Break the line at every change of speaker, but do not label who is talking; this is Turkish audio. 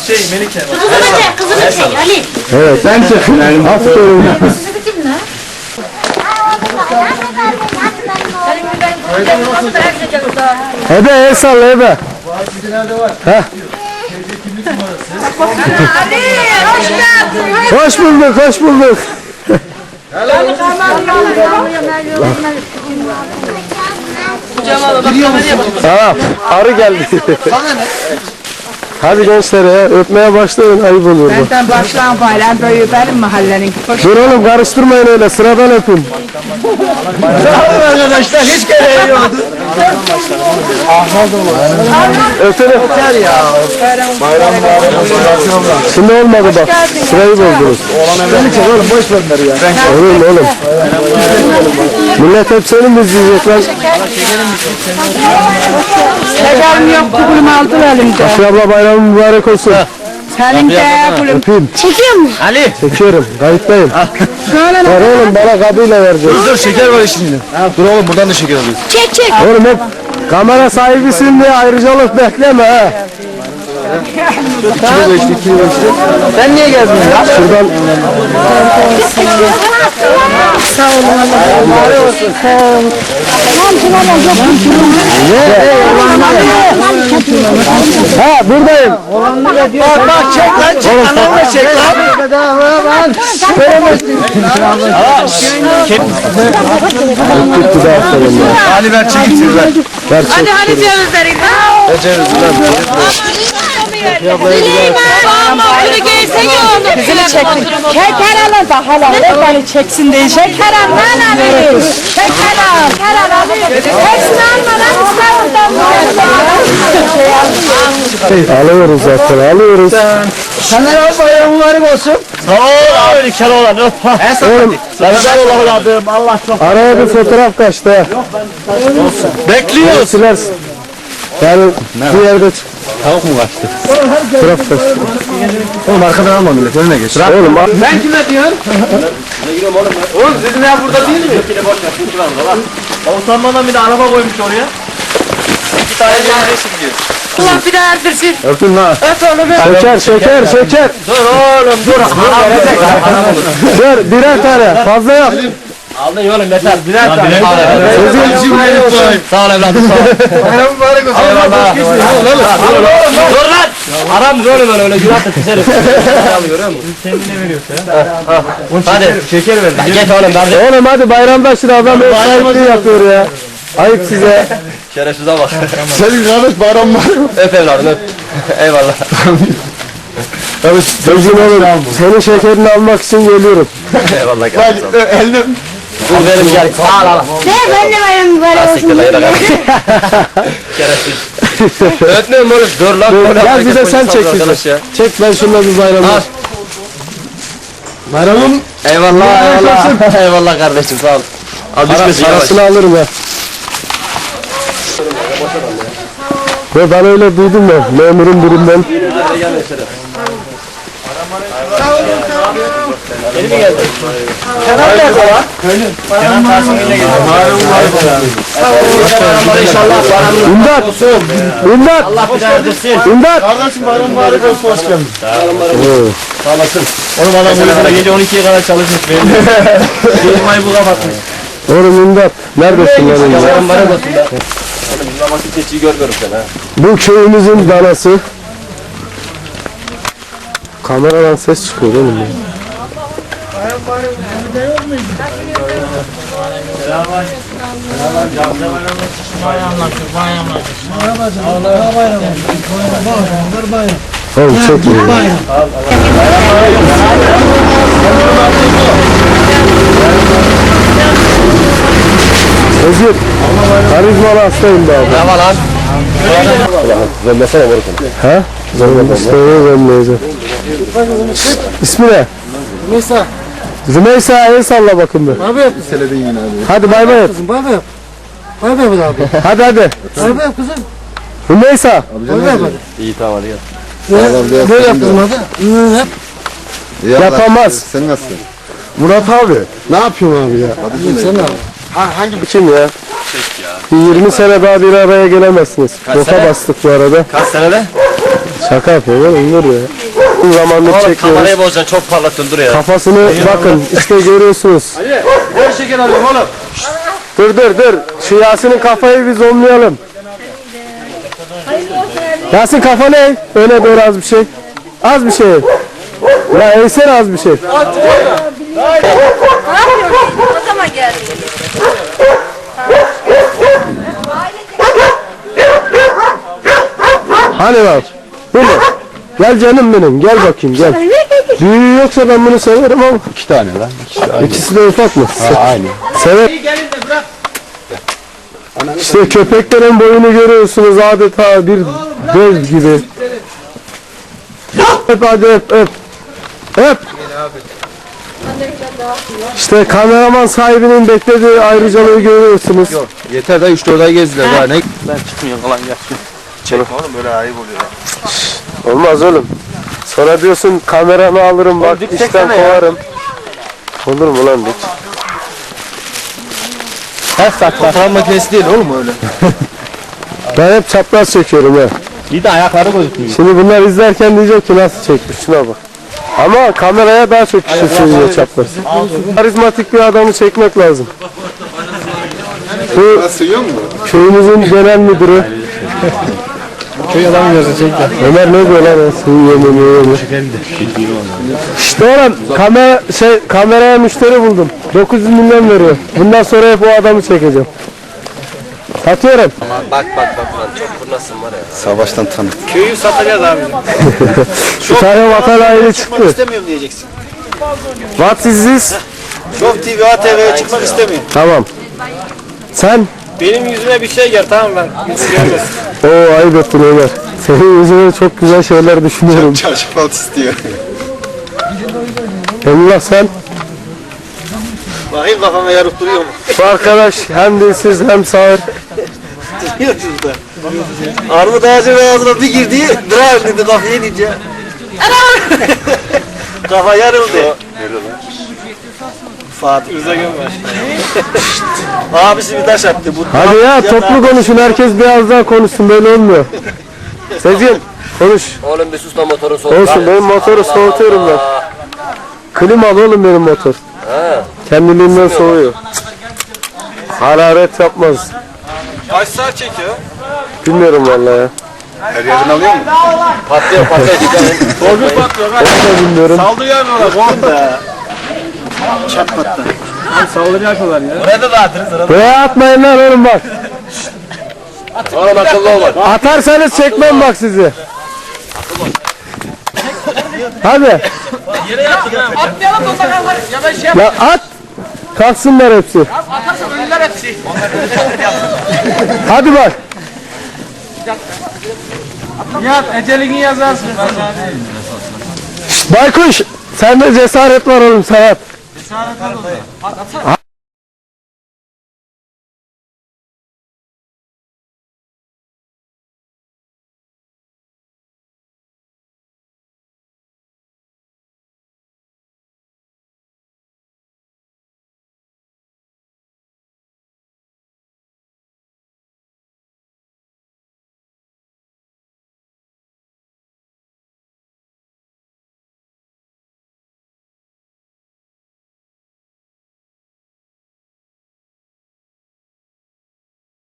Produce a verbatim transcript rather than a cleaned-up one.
şey Melike.
Kızımı çek, kızımı çek Ali.
Evet, ben çekim. Aferin. Ebe el salla Ebe. Heh.
Ali, hoş geldin.
Hoş bulduk, hoş bulduk. Tamam, arı geldi. Hadi gençler ya, öpmeye başlayın, ayıp olur bu.
Benden başlayan bayram böyle benim mahallenin.
Dur oğlum, karıştırmayın öyle, sıradan öpün.
Sağ olun arkadaşlar, hiç gereği yoktu.
Öpün öper ya. Bayram bayram. Şimdi olmadı bak, sırayı bozdunuz.
Beni çek oğlum, boş ver ya.
Oğlum oğlum. Millet hep seni mi izleyecek lan?
Şekerim yok, kulumu aldı elimde.
Aşı abla bayramın mübarek olsun.
Senin de kulum.
Öpeyim.
Çekiyor mu?
Ali.
Çekiyorum, kayıttayım. Ver oğlum, bana kabıyla vereceğiz.
Dur şeker var şimdi. Dur oğlum buradan da şeker alıyoruz.
Çek çek.
Oğlum hep kamera sahibisin diye ayrıcalık bekleme ha. Kilo geçti, kilo geçti.
Sen niye geldin ya?
Şuradan
Sağ olun Allah. Sağ olun.
ha buradayım.
Bak bak çek lan çek. Anamla çek lan. Bedava lan.
Gitti de aferin ya.
Ali ver çek içeri ver.
Ver çek.
Hadi cevizleri.
Ver cevizi ver.
Bağımlı gelsene onu.
Kızını çeksin. Şeker alın da halal. Beni çeksin diye. Şeker al lan Ali. Şeker al. Şeker al Ali. Hepsini alma lan. İstanbul'dan.
Alıyoruz zaten, alıyoruz.
Sana al bayram mübarek olsun. Sağ ol abi Keloğlan.
Oğlum,
Ramazan olalım. Allah çok.
araya bir fotoğraf kaçtı ha.
Bekliyoruz.
Silersin. Yani bir yerde çık.
Tavuk mu kaçtı?
Fotoğraf kaçtı.
Oğlum arkadan alma millet önüne geç.
Oğlum al.
Ben kime diyorsun? Oğlum sizin ev burada değil mi? Ya utanmadan bir de araba koymuş oraya. İki tane ceviz gidiyor.
Allah bir daha erdirsin.
Öpün lan.
Öp onu be.
Şeker, şeker, şeker.
Dur oğlum dur.
Dur, birer tane. Fazla yap.
Aldın oğlum yeter. Birer tane.
Sözün
Sağ ol evladım sağ ol. Bayram mübarek olsun. Eyvallah. Dur lan. Aram oğlum öyle öyle günah da keserim. Görüyor musun? Kendine veriyorsun ya. Hadi şeker ver. Geç oğlum ben.
Oğlum hadi bayramda şimdi adam ev sahipliği yapıyor ya. Ayıp size.
Şerefsize bak.
Senin kardeş bayram var mı?
Öp evladım öp. Eyvallah.
Evet, sözün oğlum. Senin şekerini almak için geliyorum.
Eyvallah kardeşim. Elini Al verim gel. Al al.
Ne ben de bayram böyle olsun.
Siktir lan yere kalk. Şerefsiz. Öpmüyorum oğlum. Dur lan.
Gel bir de sen çek bizi. Çek ben şunları bir bayramda.
Al.
Bayramım.
Eyvallah eyvallah. Eyvallah kardeşim sağ ol. Al düşmesin yavaş.
Parasını alırım ya. Ve ben öyle duydum ya memurum birinden.
Yeni mi geldin? Kenan nerede lan? Kenan Tahsin'le geldi. İnşallah paranın
İmdat! İmdat!
Allah bir daha erdirsin.
İmdat!
Kardeşim bayram mübarek olsun hoş geldin. Sağ olasın. Oğlum adam burada gece on ikiye kadar çalışmış benim. Firmayı bu kapatmış.
Oğlum imdat! Neredesin lan imdat?
Bayram mübarek olsun be. Oğlum bizim ama keçiyi görmüyorum sen ha.
Bu köyümüzün danası. Kameradan ses çıkıyor oğlum ya. Oğlum çok iyi. Özgür, karizmalı hastayım be abi.
Ne var lan?
Zemmesene morukunu. He? Zemmesene zemmeyeceğim. İsmi ne?
Neyse,
Rümeysa el salla bakın bir.
abi yap. Seledin yine abi.
Hadi bay bay et.
Kızım, bay bay yap. Bay bay yap abi.
Hadi hadi.
Bay bay yap kızım.
Rümeysa.
Bay bay yap hadi.
İyi tamam hadi gel.
Böyle, böyle yap kızım hadi. Hı, yap.
Yapamaz.
Sen nasılsın?
Murat abi. Ne yapıyorsun abi ya?
Sen ne abi?
Hangi kim ya? Bir yirmi sene daha bir araya gelemezsiniz. Boka
sene?
bastık bu arada.
Kaç senede?
Şaka yapıyorum oğlum, dur ya. Uzun zamandır
Oğlum
çekiyoruz.
kamerayı bozacaksın, çok parlattın dur ya.
Kafasını bakın işte görüyorsunuz.
Ali, ver şeker alayım oğlum.
Dur dur dur. Şu Yasin'in kafayı bir zoomlayalım. Yasin kafa ne? Öne doğru az bir şey. Az bir şey. Ya eğsene az bir şey.
O zaman geldi.
Hani bak. Bu mu? Gel canım benim. Gel bakayım gel. Büyüğü yoksa ben bunu severim ama.
İki tane lan.
İkisi de ufak mı?
Aynı.
Sever. İşte köpeklerin boyunu görüyorsunuz adeta bir dev gibi. Öp hadi öp öp. Öp. İşte kameraman sahibinin beklediği ayrıcalığı görüyorsunuz.
Yeter de üç dört ay gezdiler daha ne?
Olmaz oğlum. Sonra diyorsun kameramı alırım bak işten kovarım. Olur mu lan dik?
Her saat fotoğraf makinesi değil oğlum öyle.
Ben hep çapraz çekiyorum ya.
Bir de ayakları gözükmüyor.
Şimdi bunlar izlerken diyecek ki nasıl çekmiş şuna bak. Ama kameraya daha çok kişi söylüyor çapraz. Karizmatik bir adamı çekmek lazım. Bu köyümüzün genel müdürü.
Köy adamı gözü çekti.
Ömer ne diyor lan? Sığıyor mu yiyor mu? İşte oğlum kamera, şey, kameraya müşteri buldum. dokuz yüz milyon veriyor. Bundan sonra hep o adamı çekeceğim. Satıyorum.
Bak bak bak lan çok fırlasın var ya.
Savaştan tanık.
Köyü satacağız abi.
Şu tane vatan aile çıktı.
İstemiyorum diyeceksin.
What is this?
Show T V, A T V'ye çıkmak istemiyorum.
Tamam. Sen?
Benim yüzüme bir şey gel tamam ben. Hiç görmesin.
Oo ayıp ettin Ömer. Senin yüzüne çok güzel şeyler düşünüyorum.
Çarşı falt istiyor.
Emrullah sen?
Bakayım kafama yarıp duruyor mu?
Bu arkadaş hem dilsiz hem sağır.
Biliyorsunuz da. Armut ağacının ağzına bir girdi, dırar dedi kafaya inince. Kafa yarıldı. Fatih Rıza Gömbaş. Abisi bir taş attı. Bu
Hadi ya toplu konuşun, herkes biraz daha konuşsun, böyle olmuyor. Sezgin konuş.
Oğlum bir sus lan motorun soğuk.
Olsun, benim motoru soğutuyorum ben. Klimalı oğlum benim motor. Kendiliğinden soğuyor. Hararet yapmaz.
Kaç saat çekiyor?
Bilmiyorum vallahi ya.
Her yerden alıyor mu?
Patlıyor patlıyor dikkat et.
Korkun patlıyor.
Onu da bilmiyorum.
Saldırı yapıyorlar. Korkun da. Çatmattı. Saldırı yapıyorlar ya.
Buraya da dağıtırız.
Buraya atmayın lan oğlum bak.
Oğlum akıllı ol bak.
Atarsanız çekmem bak sizi. Hadi.
Atmayalım da ondan ya ben şey
Ya at. Kalksınlar hepsi.
atarsam ölürler hepsi.
Hadi bak.
Ya ecelini yazarsın.
Baykuş. Sende cesaret var oğlum, sen at.
Cesaret al. At atsana.